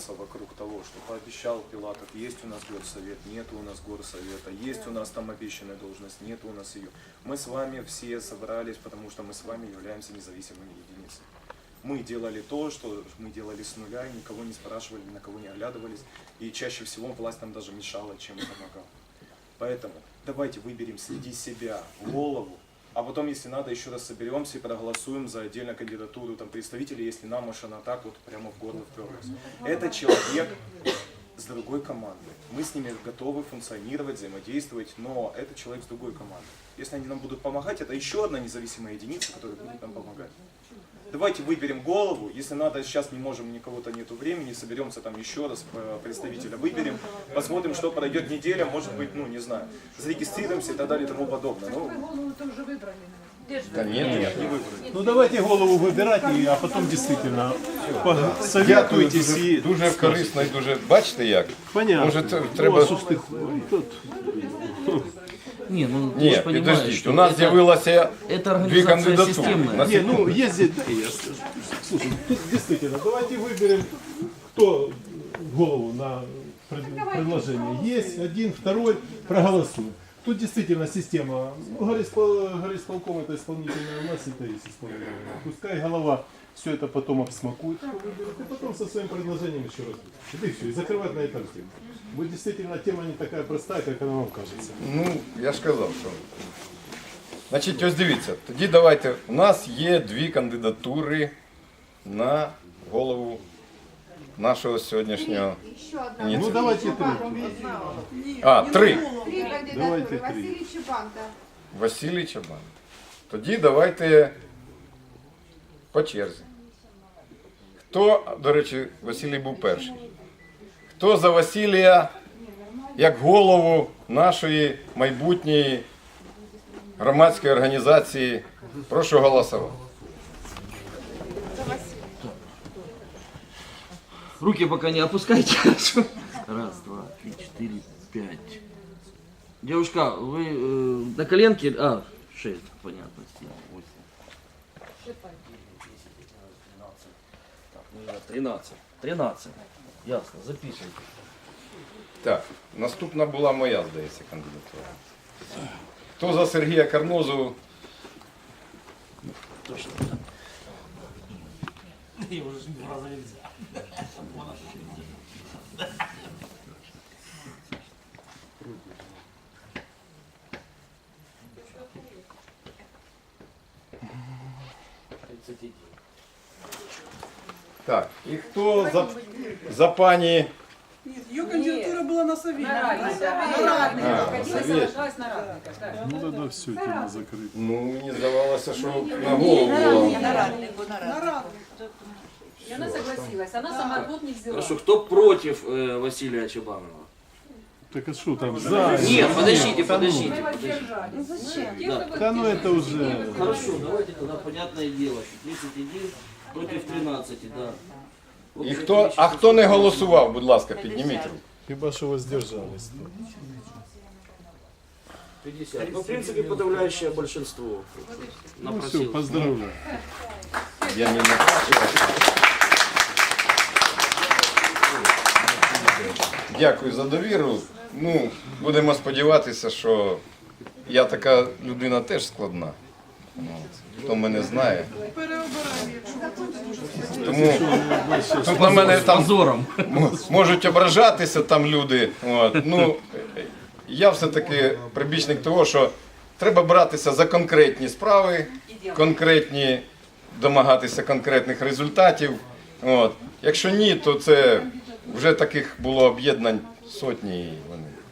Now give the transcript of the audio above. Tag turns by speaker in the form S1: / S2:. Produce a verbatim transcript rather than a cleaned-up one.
S1: обвиваться вокруг того, что пообещал Пилатов, есть у нас горсовет, нет у нас горсовета, есть у нас там обещанная должность, нет у нас ее. Мы с вами все собрались, потому что мы с вами являемся независимыми единицами. Мы делали то, что мы делали с нуля, и никого не спрашивали, ни на кого не оглядывались, и чаще всего власть нам даже мешала, чем помогала. Поэтому давайте выберем среди себя голову, а потом, если надо, еще раз соберемся и проголосуем за отдельную кандидатуру там, представителей, если нам уж она так вот прямо в горло вперлась. Это человек с другой командой. Мы с ними готовы функционировать, взаимодействовать, но это человек с другой командой. Если они нам будут помогать, это еще одна независимая единица, которая будет нам помогать. Давайте выберем голову, если надо, сейчас не можем, никого-то нету времени, соберемся там еще раз, представителя выберем, посмотрим, что пройдет неделя, может быть, ну, не знаю, зарегистрируемся и так далее и тому подобное. Ну,
S2: голову-то уже выбрали.
S1: да нет, нет, не выбрали.
S3: Ну давайте голову вибирати, а потім дійсно посоветуйтесь і...
S4: Дуже корисно і дуже, бачите як?
S3: Понятно.
S4: Може це треба...
S3: Тут...
S5: Не, ну ты
S4: Ні,
S5: же понимаешь,
S4: підождіть,
S5: что
S4: у нас
S5: это,
S4: з'явилося
S5: это
S4: дві
S5: организация
S4: кандидатури.
S5: системная.
S4: На
S3: Не, ну
S4: секунду.
S3: есть здесь, да, я скажу. Слушай, тут действительно, давайте выберем, кто голову на пред- предложение. Есть один, второй, проголосуем. Тут действительно система, ну, горисполком, горисполком это исполнительная власть, это есть исполнительная. Пускай голова все это потом обсмакует, кто выберет, и потом со своим предложением еще раз. И все, и закрывать на этом тему. Вот действительно тема не такая простая, как она вам кажется.
S4: Ну, я ж казав, що... Значить, ось дивіться, тоді давайте, у нас є дві кандидатури на голову нашого сьогоднішнього
S2: Еще одна.
S3: Ну
S4: ініціативу.
S3: давайте три.
S4: А, три.
S2: Три кандидатуры.
S3: Давайте три.
S2: Василий Чебанка.
S4: Василій Чабан. Тоді давайте по черзі. Хто, до речі, Василій був перший. Хто за Василія як голову нашої майбутньої громадської організації? Прошу голосувати.
S5: Руки пока не опускайте. Раз, два, три, четыре, пять. Девушка, вы э, на коленке... А, шесть, понятно. семь, восемь. Тринадцать. Тринадцать. Ясно, записывайте.
S4: Так, наступна була моя, здається, кандидатура. Хто за Сергія Карнозу?
S5: Точно.
S4: Так, і хто за, за пані...
S6: Ее кандидатура была на совете.
S4: А, Совет.
S3: Ну тогда все, тема закрыта.
S4: Ну, мені здавалося, що на голову було.
S6: На рад.
S7: И она согласилась. Она сама работ не взяла.
S5: Хорошо, кто против э, Василия Чабанова?
S3: Так а что там? За?
S5: Нет, подождите,
S3: Да ну.
S5: подождите.
S7: Мы воздержались. Зачем?
S3: Да ну это уже...
S5: Хорошо, давайте тогда понятное дело, что тридцать один против тринадцати, да. Вот
S4: І
S5: это
S4: хто,
S5: отлично.
S4: а хто не голосував, будь ласка, підніміть руку.
S3: Хіба що воздержались.
S5: пятьдесят. Ну, в принципе, подавляющее большинство.
S3: Ну все,
S5: Напросилось.
S3: поздравляю.
S4: Я не на... Дякую за довіру. Ну, будемо сподіватися, що я така людина теж складна. От. Хто мене знає. Тому тут на мене там
S5: Позором.
S4: м- можуть ображатися там люди. От. Ну, я все-таки прибічник того, що треба братися за конкретні справи, конкретні, домагатися конкретних результатів. От. Якщо ні, то це вже таких було об'єднань сотні. І вони